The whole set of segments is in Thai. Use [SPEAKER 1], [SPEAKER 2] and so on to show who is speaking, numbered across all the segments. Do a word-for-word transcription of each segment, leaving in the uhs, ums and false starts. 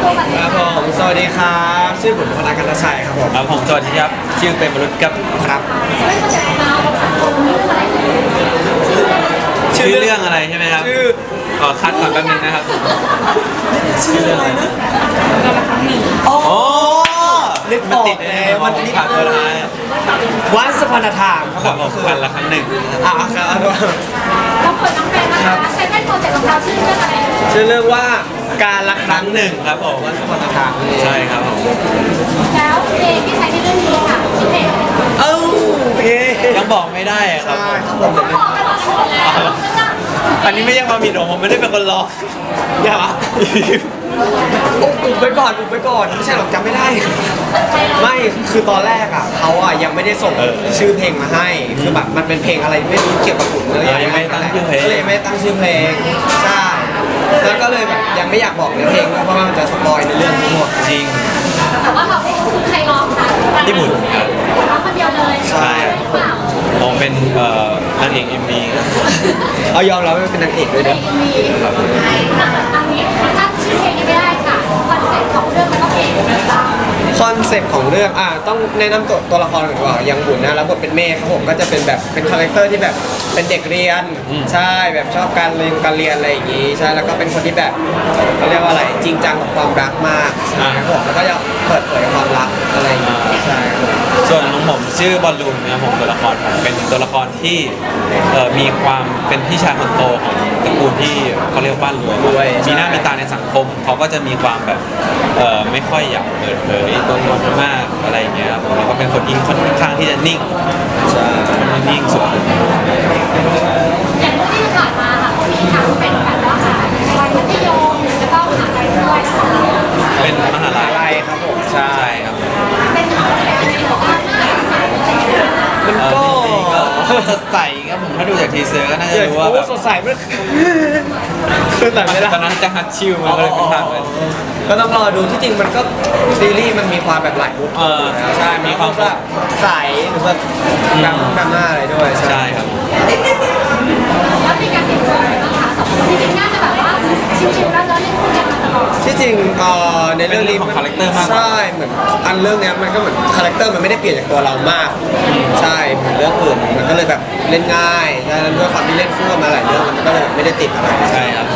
[SPEAKER 1] ตัวกันเลย
[SPEAKER 2] ครับผ
[SPEAKER 1] ค่ะ
[SPEAKER 2] มสวัสดีครับชื่อบุญพนักกันตชัยครับผม
[SPEAKER 3] ครับผมสวัสดีครับชื่อเป็นมนุษย์ครับ
[SPEAKER 2] ครับ
[SPEAKER 1] ไม่เข้าใจมาภาษาโคนี่คืออะไรชื่อเรื่อง
[SPEAKER 3] ชื่อเรื่องอะไรใช่ไหมครับ
[SPEAKER 2] ชื่อ
[SPEAKER 3] ขอคัดก่อนแป๊บนึงนะครับ
[SPEAKER 2] ชื่อเรื่องอะไรนะ
[SPEAKER 3] โอ้
[SPEAKER 2] นึกอ
[SPEAKER 3] มัน
[SPEAKER 2] อก
[SPEAKER 3] ติดใน
[SPEAKER 2] แล้ว
[SPEAKER 3] มั
[SPEAKER 2] มัน น
[SPEAKER 3] ติ
[SPEAKER 2] นิ
[SPEAKER 3] ด
[SPEAKER 2] ด
[SPEAKER 3] ผัก
[SPEAKER 2] นึ
[SPEAKER 3] เว
[SPEAKER 2] ง
[SPEAKER 3] ลา
[SPEAKER 2] วันสพันธามค
[SPEAKER 3] ครั
[SPEAKER 2] รั
[SPEAKER 3] บบ ผ
[SPEAKER 2] ผม
[SPEAKER 3] มวันละครั้งหนึ่ง
[SPEAKER 2] อ่ะครับ
[SPEAKER 1] เราเปิดน้องแฟนนะคะใช้แป้นโปรเจกต์ของเราชื่อเรื่องอะไร
[SPEAKER 2] ชื่อเรื่องว่าการละค
[SPEAKER 3] ค
[SPEAKER 2] รั้
[SPEAKER 3] รั้
[SPEAKER 2] ง
[SPEAKER 3] ง
[SPEAKER 2] ห
[SPEAKER 3] ห
[SPEAKER 2] นึ่
[SPEAKER 3] นึ่
[SPEAKER 2] ง
[SPEAKER 3] งครับผม
[SPEAKER 2] วันสพันธามนี่
[SPEAKER 3] ใช่ครับผม
[SPEAKER 1] แล้วเพลงที่ใช้ในเรื่องนี้ค่ะชื่อเพลงอะไรคะ
[SPEAKER 2] เอ้าเพลง
[SPEAKER 3] ยังบอกไม่ได้อะครับ
[SPEAKER 2] ใช่ครับผม
[SPEAKER 1] ต้องบอกกันหมดแล้ว
[SPEAKER 3] อันนี้ไม่ใช่ความผิดของผมไม่ได้เป็นคนร้อง
[SPEAKER 2] อย่าอุบอุบไปก่อนอุบไปก่อนไม่ใช่หรอกจำไม่ได้ ไม่คือตอนแรกอ่ะเขาอ่ะยังไม่ได้ส่งชื่อเพลงมาให้ คือแบบมันเป็นเพลงอะไรไม่รู้เกี่ยวกับขุนเลย
[SPEAKER 3] ยังไม่ตั้งชื่อเพลง
[SPEAKER 2] ก็เลยไม่ตั้งชื่อเพลงใช่แล้วก็เลยแบบยังไม่อยากบอกเนื้อเพลงด้วยเพราะว่ามันจะสปอยในเรื่องทั้งหมด
[SPEAKER 3] จริง
[SPEAKER 1] แต่ว่าเราคือใครร้องคะ
[SPEAKER 3] ญี่ปุ่นครับ
[SPEAKER 1] ร้องคนเดียวเลย
[SPEAKER 3] ใช่
[SPEAKER 1] หรือเปล่า
[SPEAKER 3] ผมเป็นเอ่อนางเอกเอ็มวี
[SPEAKER 2] เอายอมรับว่าเป็นนางเอกด้วย
[SPEAKER 1] เพล
[SPEAKER 2] นะ
[SPEAKER 1] งมีอันนี้ถ้าชื่อเพลงยังไม่ได้ค่ะคอนเซ็ปต์ของเรื่องมันก็เพลงต่าง
[SPEAKER 2] คอนเซ็ปต์ของเรื่องอ่ะต้องแนะนำตัวตัวละครก่อนดีกว่าอย่างบุญนะแล้วบทเป็นเมฆครับผมก็จะเป็นแบบเป็นคาแรคเตอร์ที่แบบเป็นเด็กเรียนใช่แบบชอบการเรียนการเรียนอะไรอย่างงี้ใช่แล้วก็เป็นคนที่แบบเขาเรียกว่าอะไรจริงจังกับความรักมากครับผมแล้วก็จะเปิดเผยความรักอะไรอย่างงี้ใช่ครับผม
[SPEAKER 3] ส่วนของผมชื่อบอลลูนนะครับผมตัวละครผมเป็นตัวละครที่เอ่อมีความเป็นพี่ชายคนโตของตระกูลที่เขาเรียกว่าบ้านรวย
[SPEAKER 2] รวย
[SPEAKER 3] มีหน้ามีตาในสังคมเขาก็จะมีความแบบเอ่อไม่ค่อยอยากเปิดเผยตัวตนมากอะไรอย่างเงี้ยครับผมแล้วก็เป็นคนที่ค่อนข้างที่จะนิ่ง
[SPEAKER 2] ใช่
[SPEAKER 3] นิ่งสุด
[SPEAKER 1] ๆอย่างเรื่องที่ผ่านมาค่ะเขามีทั้งเป็นแบบว่าวัยมัธยมแล้วก็มหาลัยด้วยนะคะ
[SPEAKER 3] เป็นมหาลั
[SPEAKER 2] อะไร
[SPEAKER 3] ย
[SPEAKER 2] ครับผมใช่
[SPEAKER 3] ใช่ครับ
[SPEAKER 1] เป็นมหาลัยอะไรหรือว่าหน้าใสอะไรอย่างเงี้ย
[SPEAKER 2] มัน
[SPEAKER 3] เอ่อ
[SPEAKER 2] ก็
[SPEAKER 3] จริงๆก็สดใสครับผมถ้าดูจากทีเซอร์ก็น่าจะรู้ว่า
[SPEAKER 2] โอ้
[SPEAKER 3] แบบ
[SPEAKER 2] สดใสมากคือแต่ไม่ได้
[SPEAKER 3] ตอนนั้นจะฮัตชิลมาก็เลยเป็นภาพแบบ
[SPEAKER 2] ก็ต้องรอดูที่จริงมันก็ซีรีส์มันมีความแบบหลายมุก
[SPEAKER 3] เออ
[SPEAKER 2] ใช่มีความแบบใสหรือแบบดำดำหน้าอะไรด้วย
[SPEAKER 3] ใช่ครับ
[SPEAKER 1] แล้วมีการเปลี่ยนแปลงอะไรบ้างคะสองคนจริงๆน่าจะแบบว่าชิวๆแล้วเนอะเล่นคู่กันมาตลอด
[SPEAKER 2] ที่จริงเอ่อในเรื่องนี้
[SPEAKER 3] เป็นเรื่องของ character มากกว่า
[SPEAKER 2] ใช่เหมือนอันเรื่องเนี้ยมันก็เหมือนคาแรคเตอร์มันไม่ได้เปลี่ยนจากตัวเรามาก ใช่เหมือนเรื่องอื่นมันก็เลยแบบเล่นง่ายใช่แล้วด้วยความที่เล่นคู่กันมาหลายเรื่องมันก็เลยไม่ได้ติดอะไร
[SPEAKER 3] ใช่ครับ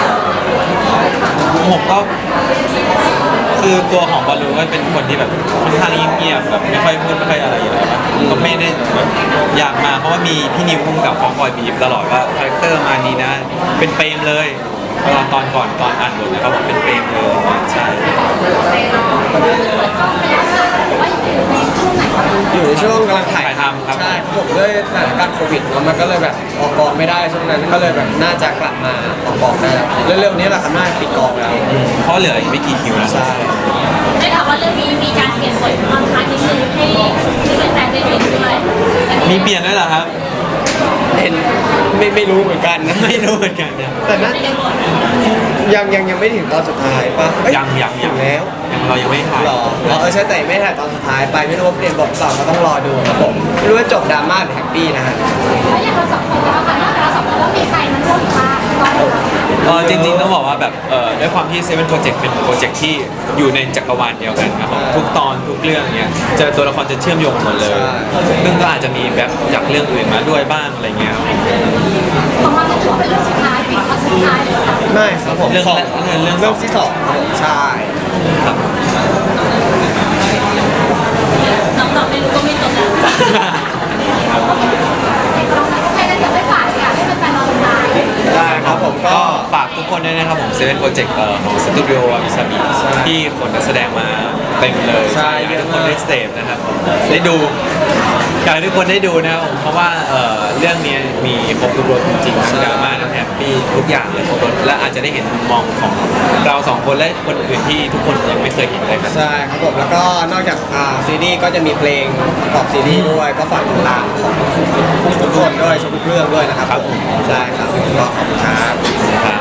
[SPEAKER 3] ผมก็คือตัวของบอลลูนก็เป็นคนที่แบบค่อนข้างเงียบๆแบบไม่ค่อยพูดไม่ค่อยอะไรอยู่แล้วครับก็ไม่ได้แบบอยากมาเพราะว่ามีพี่นิวพุ่มกับเขาคอยบีบตลอดว่าคาแรคเตอร์มานี้นะ เป็นเปรมเลยตอนตอนก่อนตอนอ่านบทนะครับผมเป็นเปรมเลยใช่
[SPEAKER 2] อยู่ในช่วงกำลังถ่าย
[SPEAKER 3] ถ่ายทำครับ
[SPEAKER 2] ใช่ครับผมด้วยสถานการณ์โควิดแล้วมันก็เลยแบบออกกองไม่ได้ช่วงนั้นก็เลยแบบน่าจะกลับมาออกกองได้แล้วเร็วๆนี้แหละครับน่าจะปิดกองแล้ว
[SPEAKER 3] เพราะเหลืออีกไม่กี่คิวแล้ว
[SPEAKER 2] ใช่
[SPEAKER 1] ได้ข่าวว่าเรื่องนี้มีการเปลี่ยนบทบางครั้งนิดนึงให้ที่เป็นแฟนได้เห็นด้วย
[SPEAKER 3] มีเปลี่ยนด้วยเหรอครับ
[SPEAKER 2] เห็นไม่ไม่รู้เหมือนกันนะ
[SPEAKER 3] ไม่รู้เหมือนกันเนี่ย
[SPEAKER 2] แต่นั้นยังยังยังไม่ถึงตอนสุดท้ายป่ะเอ้
[SPEAKER 3] ยังยังยัง
[SPEAKER 2] ถึแล้ว
[SPEAKER 3] เรายังไม่ถ่าย
[SPEAKER 2] หรออ๋อเออใช่แต่ไม่ถ่ายตอนสุดท้ายไปไม่รู้ว่าเปลี่ยนบทต่อก็ต้องรอดูครับผมไม่รู้ว่าจบดราม่าหรือแฮปปี้นะฮะ
[SPEAKER 1] แล้วอย่างเราสองคนแล้วค่ะนอกจากเราสองคนแล้วมีใครมาร่วมบ้างตอนนี้
[SPEAKER 3] เออจริงๆต้องบอกว่าแบบเออด้วยความที่เซเว่นโปรเจกต์เป็นโปรเจกต์ที่อยู่ในจักรวาลเดียวกันครับผมทุกตอนทุกเรื่องเนี้ยเจอตัวละครจะเชื่อมโยงหมดเลยซึ่งก็อาจจะมีแบบจากเรื่องอื่นมาด้วยบ้างอะไรเงี้ยครับ
[SPEAKER 1] ของเราถือว่าเป็นเรื่องสุดท้ายปิดครั้งสุดท้ายเลยค่ะ
[SPEAKER 2] ไม่ครับผม
[SPEAKER 3] เรื่อง
[SPEAKER 2] สอง
[SPEAKER 3] แรกเรื่องเรื่อง
[SPEAKER 2] เรื่องที่สองครับผมใช่
[SPEAKER 3] ครับ
[SPEAKER 1] น้องๆไม่รู้ก็ไม่จบแล้วโอเคงั้นเดี๋ยวไม่ฝากอยากให้แฟนๆรอติดตาม
[SPEAKER 2] ได้ครับผมก็
[SPEAKER 3] ก็ฝากทุกคนด้วยนะครับผมเซเว่นโปรเจกต์ของสตูดิโอวามิซาบิ
[SPEAKER 2] ใช่
[SPEAKER 3] ที่คนนักแสดงมาเต็มเลย
[SPEAKER 2] ใช่
[SPEAKER 3] อยากให้ทุกคน
[SPEAKER 2] เยอะมาก
[SPEAKER 3] ได้เสพนะครับได้ดูอยากให้ทุกคนได้ดูนะครับผมเพราะว่าเอ่อเรื่องนี้มีครบทุกรสจริงๆทั้งดราม่าทั้งแฮปปี้ทุกอย่างเลยครบรสและอาจจะได้เห็นมุมมองของเราสองคนและคนอื่นที่ทุกคนยังไม่เคยเห็นเลยครับ
[SPEAKER 2] ใช่ครับผมแล้วก็นอกจากอ่าซีรีส์ก็จะมีเพลงประกอบซีรีส์ด้วยก็ฝากติดตามของทุกคนด้วยชมทุกเรื่องด้วยนะครับ
[SPEAKER 3] ครับผม
[SPEAKER 2] ใช่ครับก็ขอบคุณครับ
[SPEAKER 3] ครับ